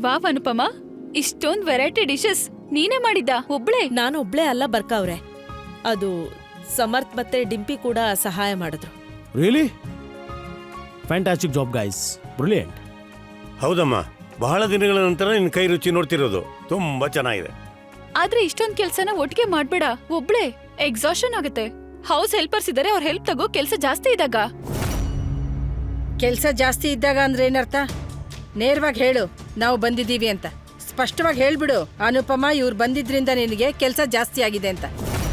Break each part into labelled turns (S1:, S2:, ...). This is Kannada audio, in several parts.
S1: ವಾವ್ ಅನುಪಮ, ಇಷ್ಟೊಂದ್ ವೆರೈಟಿ ಡಿಶಸ್ ನೀನೇ ಮಾಡಿದ್ದ ಒಬ್ಳೆ?
S2: ನಾನು ಒಬ್ಳೆ ಅಲ್ಲ ಬರ್ಕವ್ರೆ, ಅದು ಸಮರ್ಥ್ ಮತ್ತೆ ಡಿಂಪಿ ಕೂಡ ಸಹಾಯ ಮಾಡಿದ್ರು.
S3: Really fantastic job guys, brilliant.
S4: ಹೌದಮ್ಮ, ಬಹಳ ದಿನಗಳ ನಂತರ ನಿನ್ನ ಕೈ ರುಚಿ ನೋಡ್ತಿರೋದು ತುಂಬಾ ಚೆನ್ನಾಗಿದೆ.
S1: ಆದ್ರೆ ಇಷ್ಟೊಂದ್ ಕೆಲ್ಸನ ಒಟ್ಟಿಗೆ ಮಾಡ್ಬೇಡ, ಒಬ್ಳೆ ಎಕ್ಸಾಷನ್ ಆಗುತ್ತೆ. ಹೌಸ್ ಹೆಲ್ಪರ್ಸ್ ಇದಾರೆ, ಅವ್ರ ಹೆಲ್ಪ್ ತಗೋ. ಕೆಲ್ಸ ಜಾಸ್ತಿ ಇದ್ದಾಗ.
S5: ಕೆಲ್ಸ ಜಾಸ್ತಿ ಇದ್ದಾಗ ಅಂದ್ರೆ ಏನರ್ಥ? ನೇರವಾಗಿ ಹೇಳು, ನಾವು ಬಂದಿದ್ದೀವಿ ಅಂತ ಸ್ಪಷ್ಟವಾಗಿ ಹೇಳ್ಬಿಡು. ಅನುಪಮ, ಇವ್ರು ಬಂದಿದ್ರಿಂದ ನಿನಗೆ ಕೆಲ್ಸ ಜಾಸ್ತಿ ಆಗಿದೆ ಅಂತ.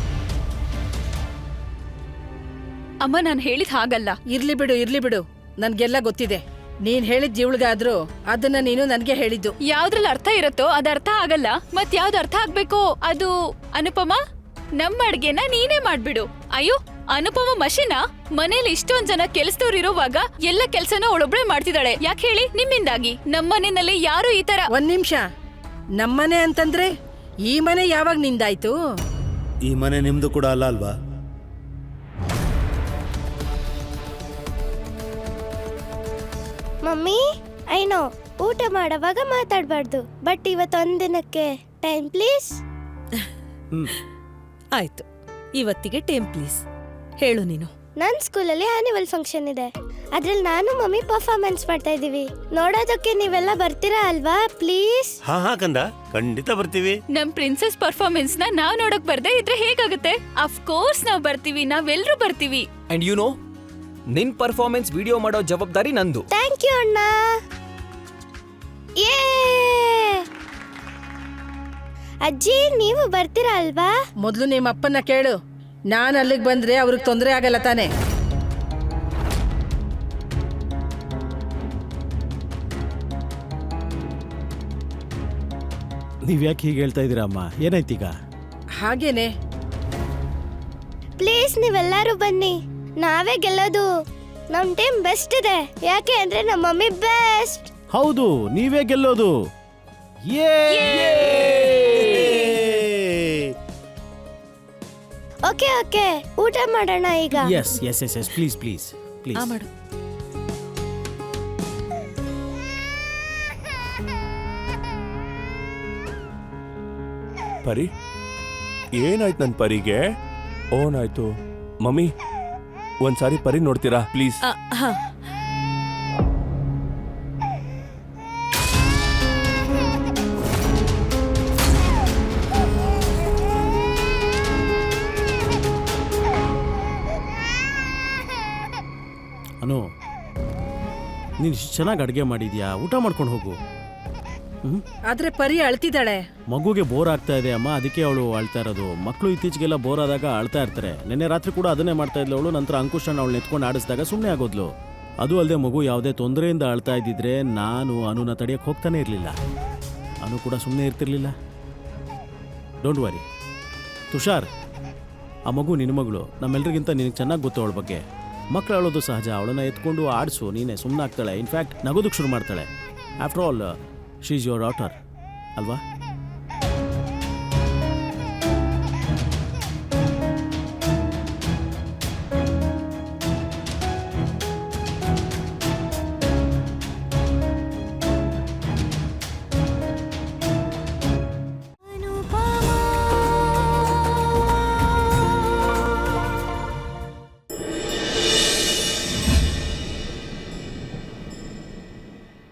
S1: ಅಮ್ಮ, ನಾನ್ ಹೇಳಿದ್ ಹಾಗಲ್ಲ.
S5: ಇರ್ಲಿ ಬಿಡು, ನನ್ಗೆಲ್ಲ ಗೊತ್ತಿದೆ. ನೀನ್ ಹೇಳಿದ್ ಜೀವಳಿಗಾದ್ರೂ ಅದನ್ನ ನೀನು ನನ್ಗೆ ಹೇಳಿದ್ದು.
S1: ಯಾವ್ದ್ರಲ್ಲಿ ಅರ್ಥ ಇರುತ್ತೋ ಅದ್ ಅರ್ಥ ಆಗಲ್ಲ, ಮತ್ ಯಾವ್ದು ಅರ್ಥ ಆಗ್ಬೇಕೋ ಅದು. ಅನುಪಮ, ನಮ್ಮ ಅಡ್ಗೆನ ನೀನೇ ಮಾಡ್ಬಿಡು. ಅಯ್ಯೋ, ಅನುಪಮ ಮಷಿನ ಮನೇಲಿ ಇಷ್ಟೊಂದ್ ಜನ ಕೆಲ್ಸದವ್ರು ಇರೋವಾಗ ಎಲ್ಲ ಕೆಲ್ಸನ ಅವಳೊಬ್ಳೆ ಮಾಡ್ತಿದ್ದಾಳೆ. ಯಾಕೆ ಹೇಳಿ? ನಿಮ್ಮಿಂದಾಗಿ. ನಮ್ಮನೆಯಲ್ಲಿ ಯಾರು ಈ ತರ.
S5: ಒಂದ್ ನಿಮಿಷ, ನಮ್ಮನೆ ಅಂತಂದ್ರೆ ಈ ಮನೆ ಯಾವಾಗ ನಿಂದಾಯ್ತು?
S6: ಈ ಮನೆ ನಿಮ್ದು ಕೂಡ ಅಲ್ಲ ಅಲ್ವಾ?
S7: ಮಮ್ಮಿ, ಐನೋ ಊಟ ಮಾಡುವಾಗ ಮಾತಾಡಬಾರ್ದು, ಬಟ್ ಇವತ್ತೊಂದಿನಕ್ಕೆ ಟೈಮ್ ಪ್ಲೀಸ್.
S2: ಆಯ್ತು, ಇವತ್ತಿಗೆ ಟೈಮ್ ಪ್ಲೀಸ್. ಹೇಳು ನೀನು.
S7: ನನ್ನ ಸ್ಕೂಲಲ್ಲಿ ಆನ್ಯುವಲ್ ಫಂಕ್ಷನ್ ಇದೆ, ಅದ್ರಲ್ಲಿ ನಾನು ಮಮ್ಮಿ ಪರ್ಫಾರ್ಮೆನ್ಸ್ ಮಾಡ್ತಾ ಇದೀವಿ. ನೋಡೋದಕ್ಕೆ ನೀವೆಲ್ಲ ಬರ್ತೀರಾ ಅಲ್ವಾ ಪ್ಲೀಸ್?
S4: ಹಾ ಕಂದ, ಖಂಡಿತ ಬರ್ತೀವಿ.
S1: ನಮ್ ಪ್ರಿನ್ಸೆಸ್ ಪರ್ಫಾರ್ಮೆನ್ಸ್ ನ ನಾವ್ ನೋಡಕ್ ಬರ್ದೇ ಇದ್ರೆ ಹೇಗಾಗುತ್ತೆ? ಅಫ್ ಕೋರ್ಸ್ ನಾವ್ ಬರ್ತೀವಿ, ನಾವೆಲ್ಲರೂ ಬರ್ತೀವಿ.
S8: ಅಂಡ್ ಯು ನೋ, ನಿನ್ ಪರ್ಫಾರ್ಮೆನ್ಸ್ ವಿಡಿಯೋ ಮಾಡೋ ಜವಾಬ್ದಾರಿ ನಂದು.
S7: ಥ್ಯಾಂಕ್ ಯು ಅಣ್ಣ. ಯೇ! ಅಜ್ಜಿ, ನೀವು ಬರ್ತೀರಾ ಅಲ್ವಾ?
S5: ಮೊದ್ಲು ನಿಮ್ಮ ಅಪ್ಪನ್ನ ಕೇಳು. ನಾನ್ ಅಲ್ಲಿಗೆ ಬಂದ್ರೆ ಅವ್ರಿಗೆ ತೊಂದರೆ ಆಗಲ್ಲ ತಾನೆ?
S3: ನೀವ್ ಯಾಕೆ ಹೀಗೆ ಹೇಳ್ತಾ ಇದೀರಾ ಅಮ್ಮ? ಏನಾಯ್ತೀಗ?
S5: ಹಾಗೇನೆ.
S7: ಪ್ಲೀಸ್ ನೀವೆಲ್ಲರೂ ಬನ್ನಿ, ನಾವೇ ಗೆಲ್ಲೋದು. ನಮ್ ಟೀಮ್ ಬೆಸ್ಟ್ ಇದೆ, ಯಾಕೆ ಅಂದ್ರೆ ನಮ್ಮ ಮಮ್ಮಿ ಬೆಸ್ಟ್.
S3: ಹೌದು, ನೀವೇ ಗೆಲ್ಲೋದು.
S7: ಓಕೆ ಓಕೆ, ಊಟ ಮಾಡೋಣ ಈಗ.
S3: Yes yes yes yes, please please please.
S2: ಮಾಡು.
S9: ಪರಿ, ಏನಾಯ್ತು ನನ್ ಪರಿಗೆ? ಓನಾಯ್ತು ಮಮ್ಮಿ, ಒಂದ್ಸಾರಿ ಪರಿ ನೋಡ್ತೀರಾ ಪ್ಲೀಸ್?
S2: ಹಾ,
S3: ಅನು, ನೀನು ಇಷ್ಟು ಚೆನ್ನಾಗಿ ಅಡುಗೆ ಮಾಡಿದ್ಯಾ, ಊಟ ಮಾಡ್ಕೊಂಡು ಹೋಗು.
S5: ಆದ್ರೆ ಪರಿ ಅಳ್ತಿದ್ದಾಳೆ.
S3: ಮಗುಗೆ ಬೋರ್ ಆಗ್ತಾ ಇದೆ ಅಮ್ಮ, ಅದಕ್ಕೆ ಅವಳು ಅಳ್ತಾ ಇರೋದು. ಮಕ್ಕಳು ಇತ್ತೀಚೆಗೆಲ್ಲ ಬೋರ್ ಆದಾಗ ಅಳ್ತಾ ಇರ್ತಾರೆ. ನಿನ್ನೆ ರಾತ್ರಿ ಕೂಡ ಅದನ್ನೇ ಮಾಡ್ತಾ ಇದ್ಲು ಅವಳು. ನಂತರ ಅಂಕುಶನ ಅವಳು ಎತ್ಕೊಂಡು ಆಡಿಸಿದಾಗ ಸುಮ್ಮನೆ ಆಗೋದ್ಲು. ಅದು ಅಲ್ಲದೆ ಮಗು ಯಾವುದೇ ತೊಂದರೆಯಿಂದ ಅಳ್ತಾ ಇದ್ದಿದ್ರೆ ನಾನು ಅನುನ ತಡೆಯಕ್ಕೆ ಹೋಗ್ತಾನೆ ಇರಲಿಲ್ಲ. ಅನು ಕೂಡ ಸುಮ್ಮನೆ ಇರ್ತಿರ್ಲಿಲ್ಲ. ಡೋಂಟ್ ವರಿ ತುಷಾರ್, ಆ ಮಗು ನಿನ್ನ ಮಗಳು. ನಮ್ಮೆಲ್ಲರಿಗಿಂತ ನಿನಗೆ ಚೆನ್ನಾಗಿ ಗೊತ್ತು ಅವಳ ಬಗ್ಗೆ. ಮಕ್ಕಳು ಅಳೋದು ಸಹಜ, ಅವಳನ್ನ ಎತ್ಕೊಂಡು ಆಡಿಸು, ನೀನೇ ಸುಮ್ಮನೆ ಆಗ್ತಾಳೆ. ಇನ್ಫ್ಯಾಕ್ಟ್ ನಗೋದಕ್ಕೆ ಶುರು ಮಾಡ್ತಾಳೆ. After all she is your daughter ಅಲ್ವಾ?